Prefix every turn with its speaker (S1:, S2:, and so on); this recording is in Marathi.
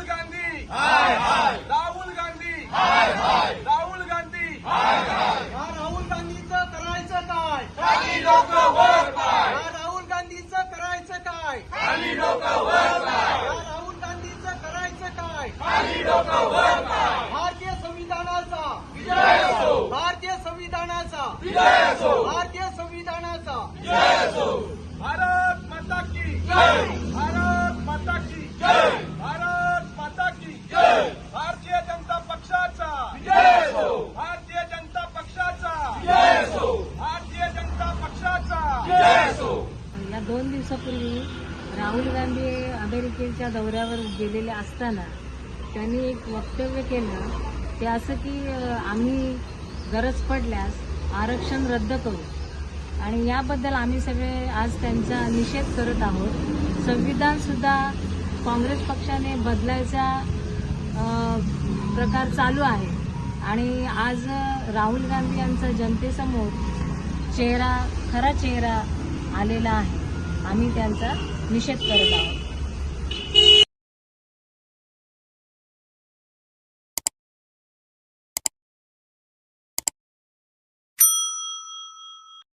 S1: गांधी हाय हाय, राहुल गांधी हाय हाय, राहुल गांधी हाय हाय।
S2: या राहुल गांधीचं करायचं काय?
S1: खाली डोकं वर पाय,
S2: या राहुल गांधीचं करायचं काय?
S1: खाली डोकं वर पाय,
S2: या राहुल गांधीचं करायचं काय?
S1: खाली डोकं वर पाय।
S2: भारतीय संविधानाचा
S1: विजय असो,
S2: भारतीय संविधानाचा
S1: विजय असो,
S2: भारतीय संविधानाचा
S1: विजय असो। भारत माता की जय, भारत माता की जय, भारत माता की जय। भारतीय जनता पक्षाचा विजय असो, भारतीय जनता पक्षाचा विजय असो, भारतीय जनता पक्षाचा विजय असो।
S3: या 2 दिवसापूर्वी राहुल गांधी अमेरिकेच्या दौऱ्यावर गेलेले असताना त्यांनी एक वक्तव्य केलं ते असं की आम्ही गरज पडल्यास आरक्षण रद्द करू आणि याबद्दल आम्ही सगळे आज त्यांचा निषेध करत आहोत। संविधान सुद्धा काँग्रेस पक्षाने बदलायचा प्रकार चालू आहे आणि आज राहुल गांधी यांचा जनतेसमोर खरा चेहरा आलेला आहे। आम्ही त्यांचा निषेध करत आहोत।